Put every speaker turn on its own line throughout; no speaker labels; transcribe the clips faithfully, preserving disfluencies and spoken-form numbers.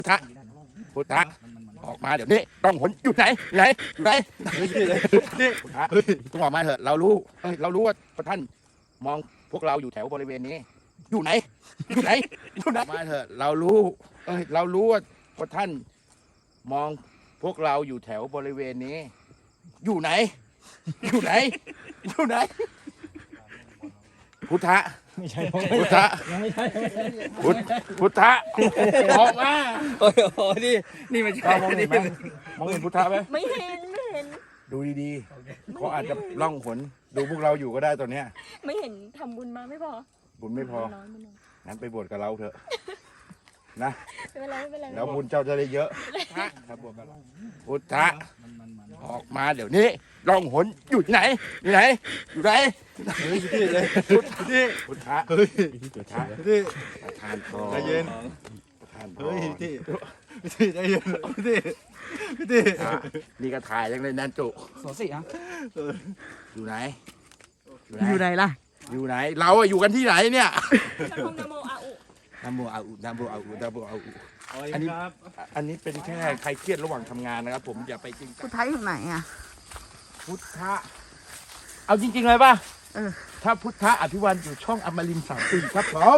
พุทธะพุทธะออกมาเดี๋ยวนี้ต้องหนอยู่ไหนไหนไหนนี่พุทธะต้องออกมาเถอะเรารู้เอ้ยเรารู้ว่าพระท่านมองพวกเราอยู่แถวบริเวณนี้อยู่ไหนอยู่ไหนอยู่ไหนมาเถอะเรารู้เอ้ยเรารู้ว่าพระท่านมองพวกเราอยู่แถวบริเวณนี้อยู่ไหนอยู่ไหนอยู่ไหนพุทธะ
ไม่ใช่
พุทธะ
ยังไม่ใช่ยังไม่ใช่
พุทธพุทธะออกมา
โอ้ยโอ้ยนี่นี่มันใช่
มองเห็นไหมมองเห็นพุทธะไหม
ไม่เห็นไม่เห็น
ดูดีๆเขาอาจจะล่องหนดูพวกเราอยู่ก็ได้ตอนเนี้ย
ไม่เห็นทำบุญมาไม่พอ
บุญไม่พอ
น้อยไม่น้อย
งั้นไปบวชกับเราเถอะนะ
ไม่เป็นไรไม่เป็นไร
แล้วบุญเจ้าจะได้เยอะครับบวชกับเราพุทธะออกมาเดี๋ยวนี้ล่องหนอยู่ที่ไหนอยู่ไหนอยู่ไหน
เฮ้ยพี่เลย
พุทธะ
พี่
พุทธะ
เฮ้ย
พุทธะ
พี่
ประทานพร
ใจเย็น
ประทานพร
เฮ้ยพี่พี่ใจเย็นพี่พี่
อ่ะนี่ก็ถ่ายยังเลยนันจุ
สองสี่อ่ะ
อยู่ไหน
อยู่ไหนล่ะ
อยู่ไหน เราอะอยู่กันที่ไหนเนี่ย
ชักคงนโมอาอุ
นัมโมอาอุนัมโมอาอุนัมโมอาอุ
อั
อั
น
น
นี้
นี้
ครับ
อันนี้เป็นแค่ใครเครียดระหว่างทำงานนะครับ ผมอย่าไปจริงจั
พุ
ง
ทธะอยู่ไหนอ่ะ
พุทธะเอาจริง ๆ เลยป่ะ
เออ
ถ้าพุทธะอภิวันอยู่ช่องอมรินทร์สามปีครับผม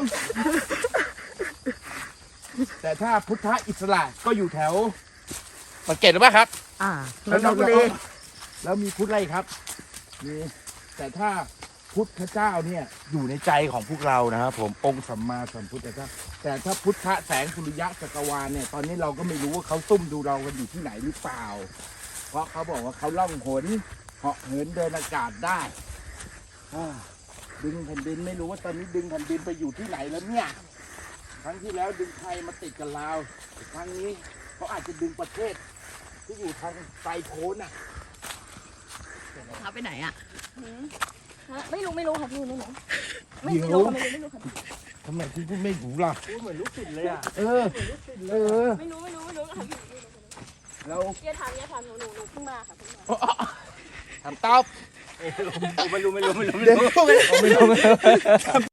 แต่ถ้าพุทธะอิสระก็อยู่แถวสังเกตหรือเปล่าครับ
อ่า
แล้ว
นนทบุรี
แล้วมีพุทธอะไรครับมีแต่ถ้าพุทธเจ้าเนี่ยอยู่ในใจของพวกเรานะครับผมองค์สัมมาสัมพุทธเจ้าแต่ถ้าพุทธแสงสุริยะจักรวาลเนี่ยตอนนี้เราก็ไม่รู้ว่าเขาซุ่มดูเรากันอยู่ที่ไหนหรือเปล่า เพราะเขาบอกว่าเขาล่องหนเหาะเหินเดินอากาศได้อ่าดึงแผ่นดินไม่รู้ว่าตอนนี้ดึงแผ่นดินไปอยู่ที่ไหนแล้วเนี่ยครั้งที่แล้วดึงไทยมาติดกับลาวครั้งนี้เขาอาจจะดึงประเทศที่อยู่ทางไกลโพ้นอ่ะ
พาไปไหนอ่ะ
หืมฮะไม่รู้ไม่รู้ค่ะพี่ไม่รู้ไม่
เดี๋ยว
ไม่รู้ค่ะไม่รู้ไม่รู้ค่ะ
ทำไมคุณพูดไม่ถูกล่ะ
พูดเหมือนลูกศิษย์เลยอ่ะ
เออ เออ
ไม่รู้ไม่รู้ไม่รู้ค่ะพี่
เรา
อย่าถามอย่าถามหนูหนูหนูเพิ่งมาค่ะเพิ่งมา
ทำตอบ
ไม่รู้ไม่รู้ไม่รู้ไม่
เดี๋ยว
รู้
ไม่รู้